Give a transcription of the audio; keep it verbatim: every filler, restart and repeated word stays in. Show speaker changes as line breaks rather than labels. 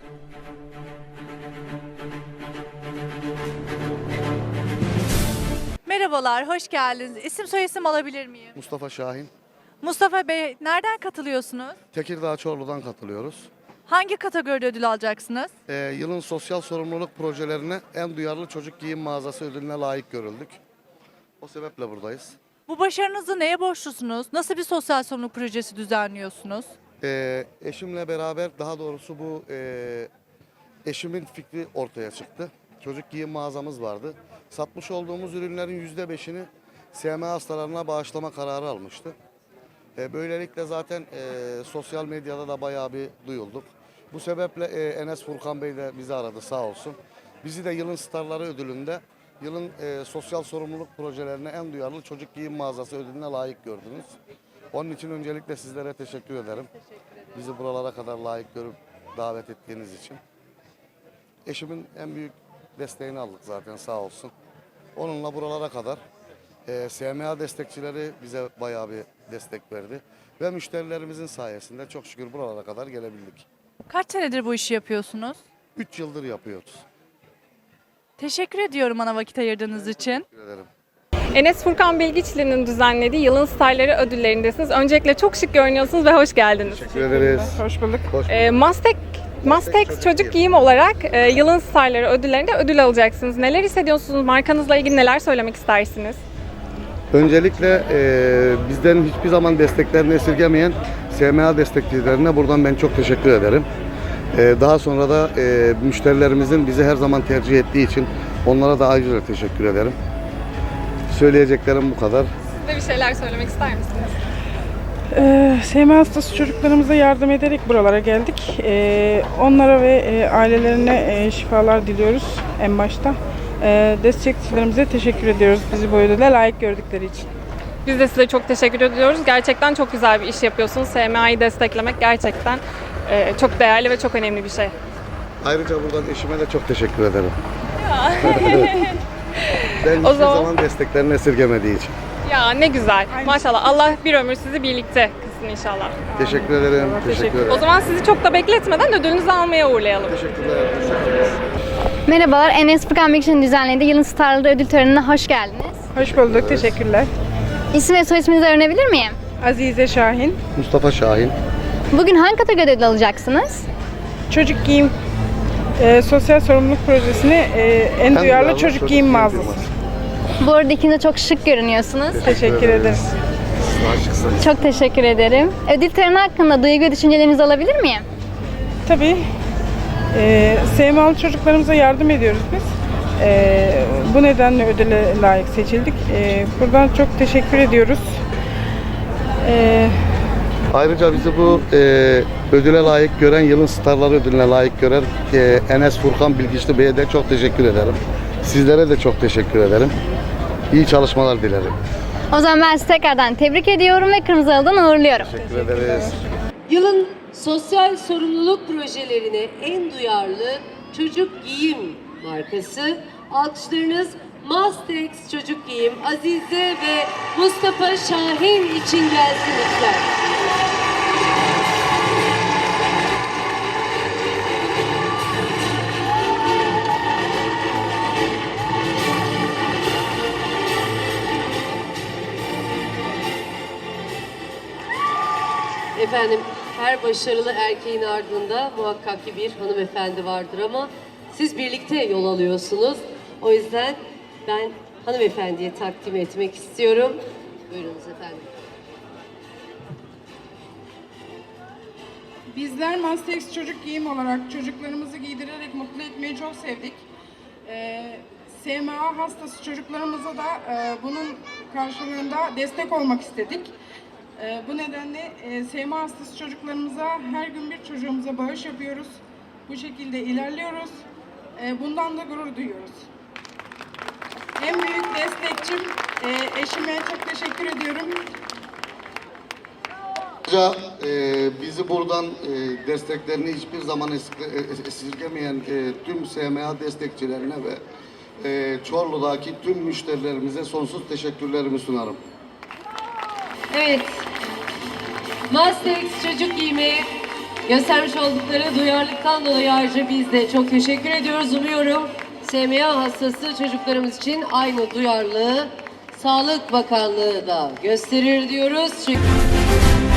Merhabalar, hoş geldiniz. İsim soyisim alabilir miyim?
Mustafa Şahin.
Mustafa Bey, nereden katılıyorsunuz?
Tekirdağ Çorlu'dan katılıyoruz.
Hangi kategoride ödül alacaksınız?
Ee, yılın sosyal sorumluluk projelerine en duyarlı çocuk giyim mağazası ödülüne layık görüldük. O sebeple buradayız.
Bu başarınızı neye borçlusunuz? Nasıl bir sosyal sorumluluk projesi düzenliyorsunuz?
Ee, eşimle beraber, daha doğrusu bu e, eşimin fikri ortaya çıktı. Çocuk giyim mağazamız vardı. Satmış olduğumuz ürünlerin yüzde beşini S M A hastalarına bağışlama kararı almıştı. E, böylelikle zaten e, sosyal medyada da bayağı bir duyulduk. Bu sebeple e, Enes Furkan Bey de bizi aradı, sağ olsun. Bizi de yılın starları ödülünde yılın e, sosyal sorumluluk projelerine en duyarlı çocuk giyim mağazası ödülüne layık gördünüz. Onun için öncelikle sizlere teşekkür ederim. Bizi buralara kadar layık görüp davet ettiğiniz için. Eşimin en büyük desteğini aldık zaten, sağ olsun. Onunla buralara kadar e, S M A destekçileri bize bayağı bir destek verdi. Ve müşterilerimizin sayesinde çok şükür buralara kadar gelebildik.
Kaç senedir bu işi yapıyorsunuz?
Üç yıldır yapıyoruz.
Teşekkür ediyorum bana vakit ayırdığınız için.
Teşekkür ederim.
Enes Furkan Bilgiçli'nin düzenlediği Yılın Starları ödüllerindesiniz. Öncelikle çok şık görünüyorsunuz ve hoş geldiniz.
Teşekkür ederiz.
Hoş bulduk.
Hoş bulduk.
E, Mastek, Mastex
Çocuk
Çocuk
Giyim.
Giyim olarak e, Yılın Starları ödüllerinde ödül alacaksınız. Neler hissediyorsunuz? Markanızla ilgili neler söylemek istersiniz?
Öncelikle e, bizden hiçbir zaman desteklerini esirgemeyen S M A destekçilerine buradan ben çok teşekkür ederim. E, daha sonra da e, müşterilerimizin bizi her zaman tercih ettiği için onlara da ayrıca teşekkür ederim. Söyleyeceklerim bu kadar.
Siz de bir şeyler söylemek ister misiniz?
Ee, S M A hastası çocuklarımıza yardım ederek buralara geldik. Ee, onlara ve e, ailelerine e, şifalar diliyoruz en başta. Ee, destekçilerimize teşekkür ediyoruz bizi bu ödüle layık gördükleri için.
Biz de size çok teşekkür ediyoruz. Gerçekten çok güzel bir iş yapıyorsunuz. S M A'yı desteklemek gerçekten e, çok değerli ve çok önemli bir şey.
Ayrıca buradan eşime de çok teşekkür ederim. ben hiçbir
O zaman-
zaman desteklerini esirgemediği için.
Ya ne güzel. Maşallah. Allah bir ömür sizi birlikte kılsın inşallah.
Teşekkür ederim. Teşekkür ederim.
O zaman sizi çok da bekletmeden ödülünüzü almaya uğurlayalım.
Teşekkürler. Teşekkürler.
Merhabalar, Enes Furkan Bilgiçli'nin düzenlediği Yılın Starları ödül törenine hoş geldiniz.
Hoş bulduk, teşekkürler.
İsim ve soy isminizi öğrenebilir miyim?
Azize Şahin,
Mustafa Şahin.
Bugün hangi kategoride ödül alacaksınız?
Çocuk Giyim e, Sosyal Sorumluluk Projesi'ni e, en, duyarlı çocuk, giyim mağazası.
Bu arada ikiniz de çok şık görünüyorsunuz.
Teşekkür ederiz.
Siz de aşıksınız.
Çok teşekkür ederim. Ödül töreni hakkında duygu ve düşüncelerinizi alabilir miyim?
Tabii. E, S M A'lı çocuklarımıza yardım ediyoruz biz. E, bu nedenle ödüle layık seçildik. E, buradan çok teşekkür ediyoruz. E,
Ayrıca bizi bu e, ödüle layık gören, yılın starları ödülüne layık gören e, Enes Furkan Bilgiçli Bey'e de çok teşekkür ederim. Sizlere de çok teşekkür ederim. İyi çalışmalar dilerim.
O zaman ben sizi tekrardan tebrik ediyorum ve Kırmızı Halı'dan uğurluyorum.
Teşekkür ederiz.
Yılın sosyal sorumluluk projelerine en duyarlı çocuk giyim markası. Alkışlarınız Mastex Çocuk Giyim Azize ve Mustafa Şahin için gelsin lütfen. Efendim, her başarılı erkeğin ardında muhakkak ki bir hanımefendi vardır ama siz birlikte yol alıyorsunuz. O yüzden ben hanımefendiye takdim etmek istiyorum. Buyurunuz efendim.
Bizler Mastex Çocuk Giyim olarak çocuklarımızı giydirerek mutlu etmeyi çok sevdik. Ee, S M A hastası çocuklarımıza da e, bunun karşılığında destek olmak istedik. E, bu nedenle e, S M A hastası çocuklarımıza her gün bir çocuğumuza bağış yapıyoruz. Bu şekilde ilerliyoruz. E, bundan da gurur duyuyoruz. En büyük destekçim e, eşime çok teşekkür ediyorum.
Ayrıca e, bizi buradan e, desteklerini hiçbir zaman es- esirgemeyen e, tüm S M A destekçilerine ve e, Çorlu'daki tüm müşterilerimize sonsuz teşekkürlerimi sunarım.
Evet, Mastex Çocuk Giyimi Göstermiş oldukları duyarlılıktan dolayı ayrıca biz de çok teşekkür ediyoruz. Umuyorum S M A hastası çocuklarımız için aynı duyarlılığı Sağlık Bakanlığı da gösterir diyoruz. Çünkü